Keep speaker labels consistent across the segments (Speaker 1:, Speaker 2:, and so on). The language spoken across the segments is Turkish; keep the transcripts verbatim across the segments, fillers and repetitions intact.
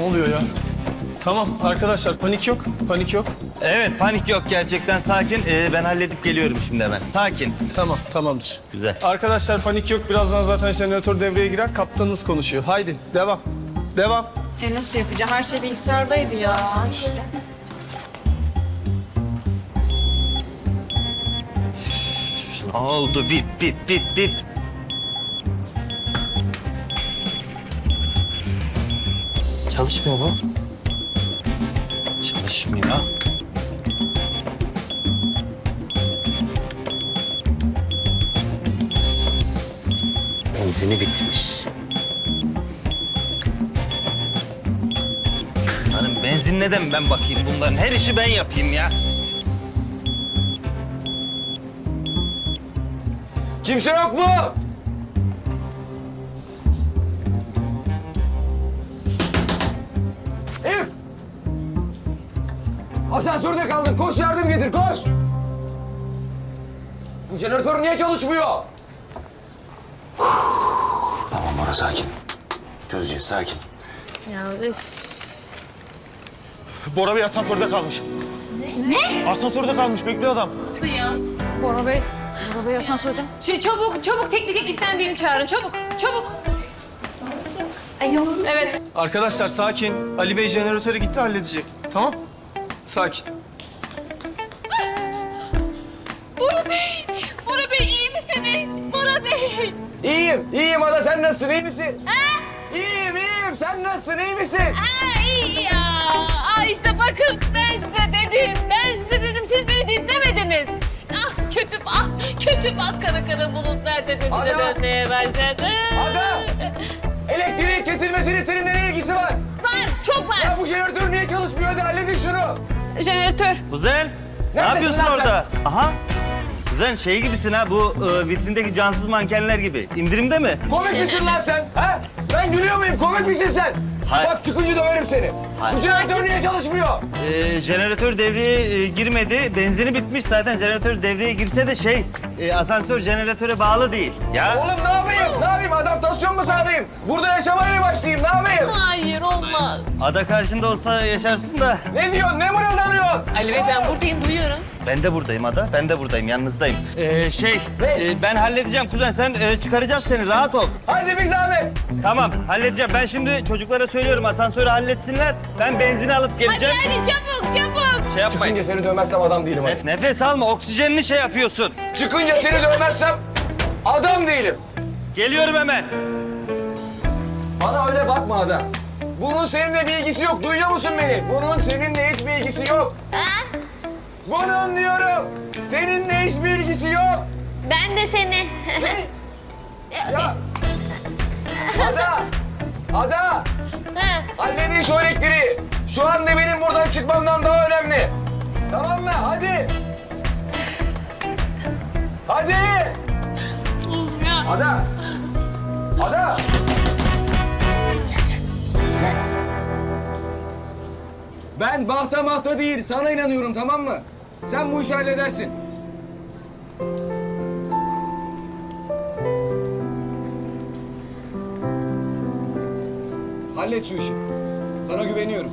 Speaker 1: oluyor ya? Tamam arkadaşlar, panik yok, panik yok.
Speaker 2: Evet, panik yok gerçekten, sakin. Ee, ben halledip geliyorum şimdi hemen. Sakin.
Speaker 1: Tamam, tamamdır.
Speaker 2: Güzel.
Speaker 1: Arkadaşlar panik yok, birazdan zaten jeneratör devreye girer, kaptanınız konuşuyor. Haydi, devam, devam.
Speaker 3: E nasıl yapacağım? Her şey bilgisayardaydı ya işte.
Speaker 2: Oldu, bip bip bip bip. Çalışmıyor mu? Çalışmıyor.
Speaker 4: Benzini bitmiş.
Speaker 2: Hanım benzin neden ben bakayım, bunların her işi ben yapayım ya.
Speaker 5: Kimse yok mu? Elif! Asansörde kaldın. Koş yardım getir, koş! Bu jeneratör niye çalışmıyor? Tamam Bora, sakin. Çözeceğiz, sakin.
Speaker 3: Ya üf.
Speaker 6: Bora Bey asansörde kalmış. Ne? Ne? Asansörde kalmış, bekliyor adam.
Speaker 3: Nasıl ya?
Speaker 7: Bora Bey, Bora Bey asansörde.
Speaker 3: Şey, çabuk, çabuk teknik ekipten birini çağırın. Çabuk, çabuk. Ay yok. Evet.
Speaker 1: Arkadaşlar sakin, Ali Bey jeneratöre gitti, halledecek. Tamam? Sakin.
Speaker 3: Bora Bey, Bora Bey iyi misiniz? Bora Bey.
Speaker 5: İyiyim, iyiyim Ada. Sen nasılsın, iyi misin? Ha? İyiyim, iyiyim. Sen nasılsın, iyi misin?
Speaker 3: Ha iyi ya. Aa işte bakın ben size dedim. Ben size dedim, siz beni dinlemediniz. Ah kötü, ah kötü bak kara kara bulutlar tepemize
Speaker 5: Ada!
Speaker 3: dönmeye başladı.
Speaker 5: Ada! Elektriğin kesilmesinin seninle ne ilgisi var?
Speaker 3: Var, çok var.
Speaker 5: Ya bu jeneratör niye çalışmıyor? Hadi halledin şunu.
Speaker 3: Jeneratör.
Speaker 2: Kuzen, ne
Speaker 5: Neredesin
Speaker 2: yapıyorsun
Speaker 5: lan sen?
Speaker 2: orada? Aha. Kuzen şey gibisin ha, bu e, vitrindeki cansız mankenler gibi. İndirimde mi?
Speaker 5: Komik misin lan sen? Ha? Ben gülüyor muyum? Komik misin sen?
Speaker 2: Hayır.
Speaker 5: Bak çıkınca döverim seni.
Speaker 2: Hayır.
Speaker 5: Bu jeneratör niye çalışmıyor?
Speaker 2: Ee, jeneratör devreye e, girmedi. Benzini bitmiş zaten. Jeneratör devreye girse de şey, e, asansör jeneratöre bağlı değil. Ya
Speaker 5: Oğlum ne yapayım? Ne yapayım? Adaptasyon mu sağlayayım? Burada yaşamaya mı başlayayım? Ne yapayım?
Speaker 3: Hayır olmaz.
Speaker 2: ada karşında olsa yaşarsın da.
Speaker 5: Ne diyorsun? Ne mırıldanıyorsun?
Speaker 3: Ali Bey ben buradayım, duyuyorum.
Speaker 2: Ben de buradayım ada. Ben de buradayım. Yanınızdayım. Ee, şey,
Speaker 5: Ne?
Speaker 2: e, ben halledeceğim kuzen. Sen e, çıkaracağız seni. Rahat ol.
Speaker 5: Hadi bir zahmet.
Speaker 2: Tamam, halledeceğim. Ben şimdi çocuklara söylüyorum asansörü halletsinler. Ben benzini alıp
Speaker 3: Hadi
Speaker 2: geleceğim.
Speaker 3: hadi çabuk çabuk.
Speaker 2: Şey yapmayın.
Speaker 5: Çıkınca seni dövmezsem adam değilim. hadi.
Speaker 2: Nef- nefes alma. Oksijenini şey yapıyorsun.
Speaker 5: Çıkınca seni dövmezsem adam değilim.
Speaker 2: Geliyorum hemen.
Speaker 5: Bana öyle bakma Ada. Bunun seninle bir ilgisi yok. Duyuyor musun beni? Bunun seninle hiçbir ilgisi yok. Bunun diyorum. Seninle hiçbir ilgisi yok.
Speaker 3: Ben de seni.
Speaker 5: Ya. Ada. Ada.
Speaker 3: Ha.
Speaker 5: Halledin şu elektriği. Şu anda benim buradan çıkmamdan daha önemli. Tamam mı? Hadi. Hadi. Ada. Ada. Ben bahta mahta değil, sana inanıyorum, tamam mı? Sen bu işi halledersin. Hallet şu işi. Sana güveniyorum.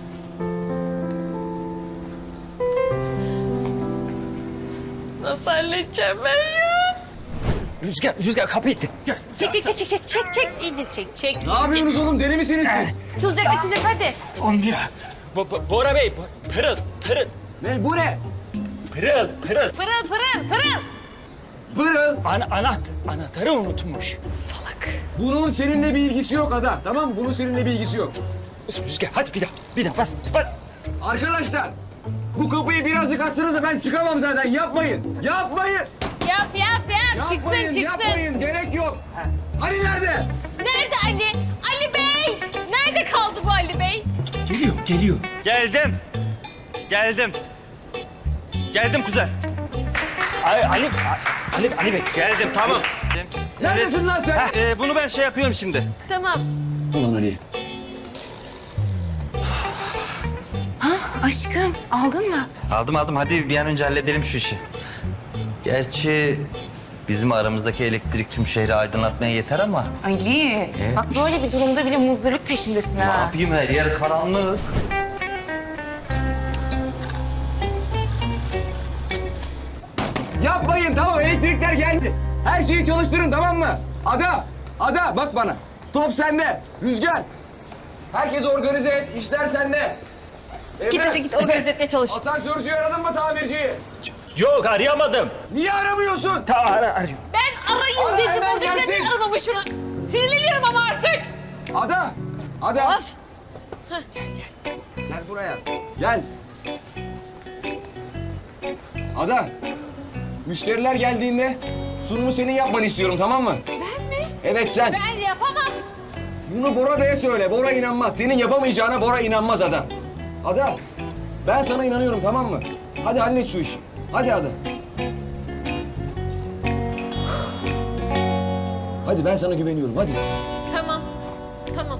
Speaker 3: Nasıl halledeceğim ben ya?
Speaker 4: Rüzgar, Rüzgar kapı itti.
Speaker 3: Çek çek çek çek çek çek çek iyice çek çek.
Speaker 5: Ne yapıyorsunuz oğlum? Deli misiniz siz?
Speaker 3: Açılacak açılacak hadi.
Speaker 4: Olmuyor. Bo Bo- Bora Bey, Bo- pırıl, pırıl,
Speaker 5: Ne? Bu ne?
Speaker 4: pırıl, pırıl.
Speaker 3: Pırıl pırıl pırıl.
Speaker 5: Pırıl.
Speaker 4: Ana, anaht, anahtarı unutmuş.
Speaker 3: Salak.
Speaker 5: Bunun seninle bir ilgisi yok Ada. Tamam mı? Bunun seninle bir ilgisi yok.
Speaker 4: Rüzgar, hadi bir daha, bir daha bas, bas.
Speaker 5: Arkadaşlar, bu kapıyı birazcık açsanız da ben çıkamam zaten. Yapmayın. Yapmayın.
Speaker 3: Yap yap yap. Çıksın
Speaker 5: Yapmayın,
Speaker 3: çıksın.
Speaker 5: yapmayın. Gerek yok. Ali nerede?
Speaker 3: Nerede Ali? Ali Bey. Nerede kaldı bu Ali Bey?
Speaker 4: Geliyor, geliyor.
Speaker 2: Geldim. Geldim. Geldim kuzen.
Speaker 4: Ali, Ali, Ali, Ali Bey.
Speaker 2: Geldim, tamam.
Speaker 5: Neredesin lan sen?
Speaker 2: Heh, e, bunu ben şey yapıyorum şimdi.
Speaker 3: Tamam.
Speaker 5: Ulan Ali.
Speaker 7: Aşkım, aldın mı?
Speaker 2: Aldım aldım. Hadi bir an önce halledelim şu işi. Gerçi Bizim aramızdaki elektrik tüm şehri aydınlatmaya yeter ama.
Speaker 7: Ali, bak böyle bir durumda bile muzdarlık peşindesin
Speaker 2: Ne
Speaker 7: ha.
Speaker 2: yapayım, her yer karanlık.
Speaker 5: Yapmayın tamam elektrikler geldi. Her şeyi çalıştırın tamam mı? Ada, Ada bak bana. Top sende. Rüzgar. Herkes organize et. İşler sende.
Speaker 3: Git
Speaker 5: Emre,
Speaker 3: hadi git organize etmeye çalış.
Speaker 5: asansörcüyü aradın mı tamirciyi?
Speaker 4: Yok arayamadım.
Speaker 5: Niye aramıyorsun?
Speaker 4: Ta ara arıyorum.
Speaker 3: Ben arayayım
Speaker 5: Ara,
Speaker 3: dedim.
Speaker 5: hemen
Speaker 3: Oradakiler
Speaker 5: gelsin.
Speaker 3: niye aramamış şunu? Sinirleniyorum ama artık.
Speaker 5: Ada, Ada.
Speaker 3: Of.
Speaker 5: Gel buraya. Gel. Ada. Müşteriler geldiğinde sunumu senin yapmanı istiyorum tamam mı?
Speaker 3: Ben mi?
Speaker 5: Evet sen.
Speaker 3: Ben yapamam.
Speaker 5: Bunu Bora Bey'e söyle. Bora inanmaz. Senin yapamayacağına Bora inanmaz Ada. Ada. Ben sana inanıyorum tamam mı? Hadi hallet şu işi. Hadi Ada. Hadi ben sana güveniyorum hadi.
Speaker 3: Tamam. Tamam.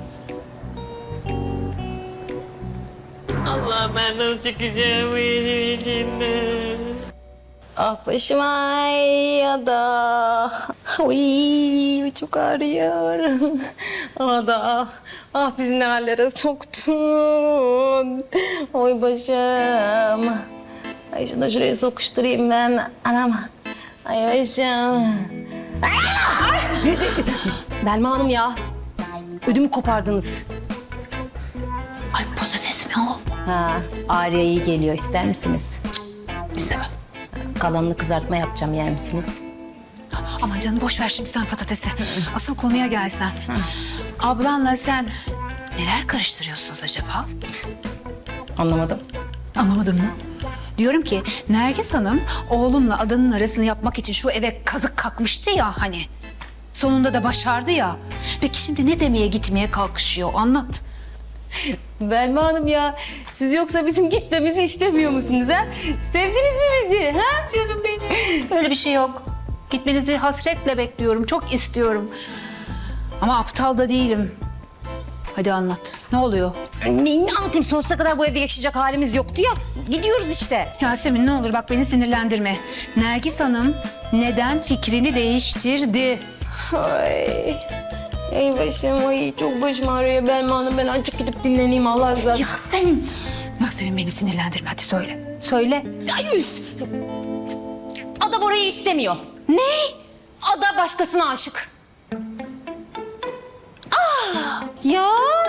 Speaker 3: Allah ben nasıl çıkacağım bu işin içinden?
Speaker 7: Ah başım ay ya da. Uy çok ağrıyor. Ada, ah bizi ne hallere soktun. Oy başım. Ay şunu da şuraya sokuşturayım ben. Anam. Ay başım. Belma Hanım ya. Ödümü kopardınız.
Speaker 8: Ay patates mi o?
Speaker 7: Ha, Ağrı'ya iyi geliyor. İster misiniz?
Speaker 8: İstemem.
Speaker 7: Kalanını kızartma yapacağım. Yer misiniz?
Speaker 8: Aman canım boş ver şimdi sen patatesi. Asıl konuya gelsen. Ablanla sen neler karıştırıyorsunuz acaba?
Speaker 7: Anlamadım.
Speaker 8: Anlamadın mı? Diyorum ki Nergis Hanım oğlumla adının arasını yapmak için şu eve kazık kakmıştı ya hani. Sonunda da başardı ya. Peki şimdi ne demeye gitmeye kalkışıyor anlat.
Speaker 7: Belma Hanım ya, siz yoksa bizim gitmemizi istemiyor musunuz ha? Sevdiniz mi bizi ha?
Speaker 8: Canım benim. Öyle bir şey yok. Gitmenizi hasretle bekliyorum. Çok istiyorum. Ama aptal da değilim. Hadi anlat. Ne oluyor?
Speaker 7: Neyini anlatayım? Sonsuza kadar bu evde yaşayacak halimiz yoktu ya. Gidiyoruz işte.
Speaker 8: Yasemin ne olur bak beni sinirlendirme. Nergis Hanım neden fikrini değiştirdi?
Speaker 7: Ay. Ey başım, ay çok başım ağrıyor Belma Hanım. Ben azıcık gidip dinleneyim Allah razı olsun.
Speaker 8: Yasemin. Yasemin beni sinirlendirme hadi söyle. Söyle.
Speaker 7: Ay üf! Ada Bora'yı istemiyor. Ne? Ada başkasına aşık. Ah! Ya!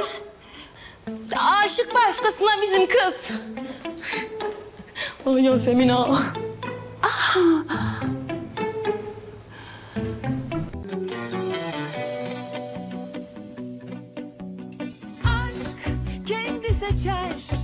Speaker 7: Aşık başkasına bizim kız. Ay Yasemin ha.
Speaker 9: Aşk kendi seçer